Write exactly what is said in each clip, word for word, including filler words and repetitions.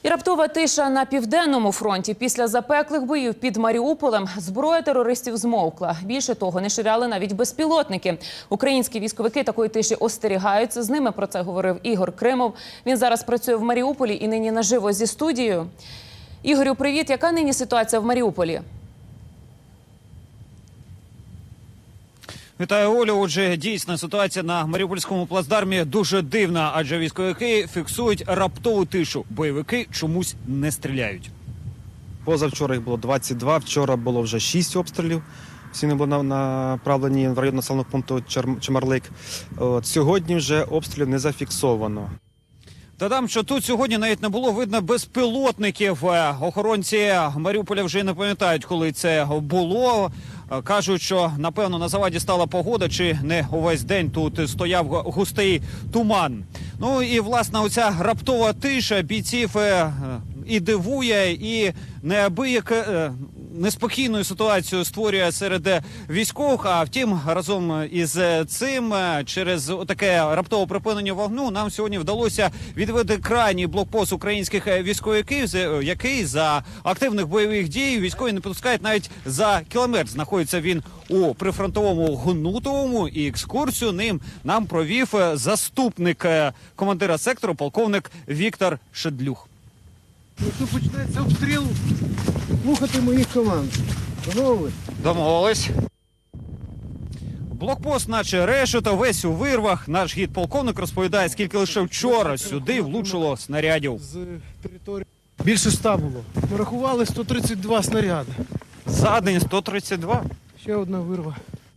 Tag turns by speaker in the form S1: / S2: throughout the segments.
S1: І раптова тиша на Південному фронті. Після запеклих боїв під Маріуполем зброя терористів змовкла. Більше того, не ширяли навіть безпілотники. Українські військовики такої тиші остерігаються. З ними про це говорив Ігор Кримов. Він зараз працює в Маріуполі і нині наживо зі студією. Ігорю, привіт. Яка нині ситуація в Маріуполі?
S2: Вітаю, Олю. Отже, дійсно, ситуація на Маріупольському плацдармі дуже дивна, адже військовики фіксують раптову тишу. Бойовики чомусь не стріляють.
S3: Позавчора їх було двадцять два, вчора було вже шість обстрілів. Всі не були направлені в район населеного пункту Чемерлик. От, сьогодні вже обстрілів не зафіксовано.
S2: Додам, що тут сьогодні навіть не було видно безпілотників. Охоронці Маріуполя вже не пам'ятають, коли це було. Кажуть, що, напевно, на заваді стала погода, чи не увесь день тут стояв густий туман. Ну і, власне, оця раптова тиша бійців і дивує, і неабияк неспокійну ситуацію створює серед військових. А втім, разом із цим, через таке раптове припинення вогню, нам сьогодні вдалося відвести крайній блокпост українських військовиків, який за активних бойових дій військові не підпускають навіть за кілометр. Знаходиться він у прифронтовому Гнутовому, і екскурсію ним нам провів заступник командира сектору, полковник Віктор Шедлюх.
S4: Якщо почнеться обстріл, слухати моїх команд. Домовились?
S2: Домовились. Блокпост наче решето, весь у вирвах. Наш гід-полковник розповідає, скільки лише вчора сюди влучило снарядів.
S4: З території більше ста було. Ми рахували сто тридцять два снаряди.
S2: За день сто тридцять два.
S4: Ще одна вирва.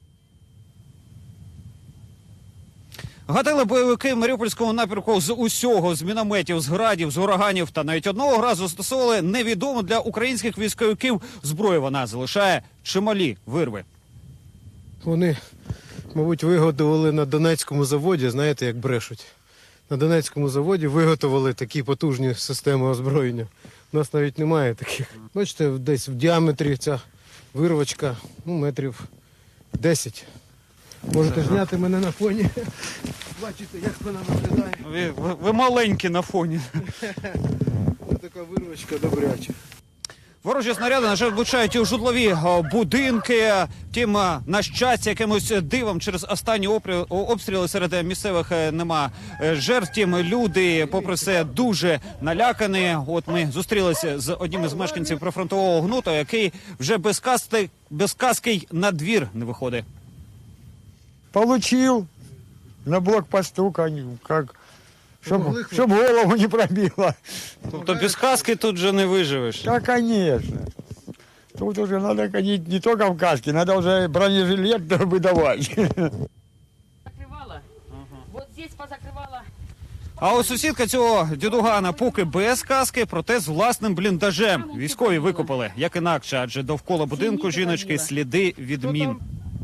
S2: Гатили бойовики в Маріупольському напрямку з усього, з мінометів, з градів, з ураганів. Та навіть одного разу застосовували невідому для українських військовиків зброю. Вона залишає чималі вирви.
S4: Вони, мабуть, виготовили на Донецькому заводі, знаєте, як брешуть. На Донецькому заводі виготовили такі потужні системи озброєння. У нас навіть немає таких. Бачите, десь в діаметрі ця вирвочка, ну, метрів десять. Можете зняти мене на фоні. Бачите, як вона виглядає.
S2: Ви, ви, ви маленькі на фоні.
S4: Ось така вирвочка добряча.
S2: Ворожі снаряди, на жаль, влучають і у житлові будинки. Втім, на щастя, якимось дивом через останні обстріли серед місцевих нема жертв. Втім, люди, попри все, дуже налякані. От ми зустрілися з одним із мешканців прифронтового Гнута, який вже без каски, без каски на двір не виходить.
S5: Получил на блокпосту, как, чтобы, чтоб голову не пробило.
S2: Тобто без каски тут же не виживеш?
S5: Да, конечно. Тут уже надо ходить не только в каске, надо уже бронежилет выдавать.
S6: Закрывала. Вот здесь позакрывала.
S2: А ось сусідка цього дідугана поки без каски, проте з власним бліндажем. Військові викопали, як інакше, адже довкола будинку жіночки сліди від мін.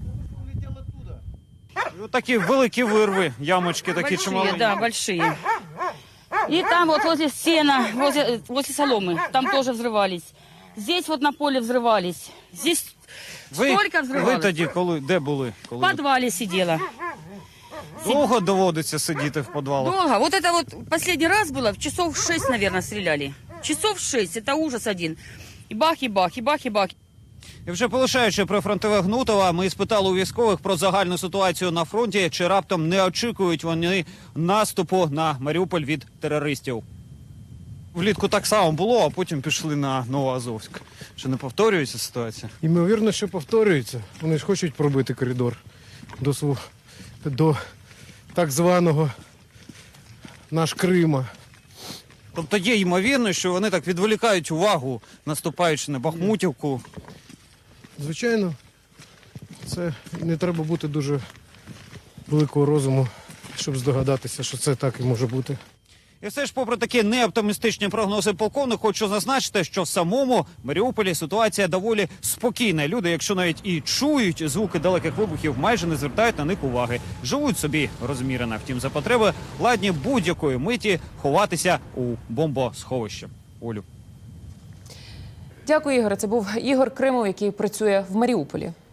S2: Такі великі вирви, ямочки такі
S6: Большие,
S2: чималенькі.
S6: да, большие. И там вот возле сена, возле, возле соломы, там тоже взрывались. Здесь вот на поле взрывались. Здесь
S2: Ви,
S6: столько
S2: ви
S6: взрывалось.
S2: тоді коли, де були?
S6: В
S2: Коли
S6: подвале сидела.
S2: довго доводиться сидіти в підвалах?
S6: Долго. Вот это вот последний раз было, в часов шесть, наверное, стреляли. Часов шесть, это ужас один. И бах, и бах, и бах, и бах.
S2: І вже полишаючи прифронтове Гнутова, ми спитали у військових про загальну ситуацію на фронті, чи раптом не очікують вони наступу на Маріуполь від терористів. Влітку так само було, а потім пішли на Новоазовськ. Чи не повторюється ситуація?
S4: Ймовірно, що повторюється. Вони ж хочуть пробити коридор до, свого, до так званого наш Крима.
S2: Тобто є ймовірність, що вони так відволікають увагу, наступаючи на Бахмутівку.
S4: Звичайно, це не треба бути дуже великого розуму, щоб здогадатися, що це так і може бути.
S2: І все ж, попри такі неоптимістичні прогнози полковник, хочу зазначити, що в самому Маріуполі ситуація доволі спокійна. Люди, якщо навіть і чують звуки далеких вибухів, майже не звертають на них уваги. Живуть собі розмірено. Втім, за потреби ладні будь-якої миті ховатися у бомбосховище. Олю.
S1: Дякую, Ігоре. Це був Ігор Кримов, який працює в Маріуполі.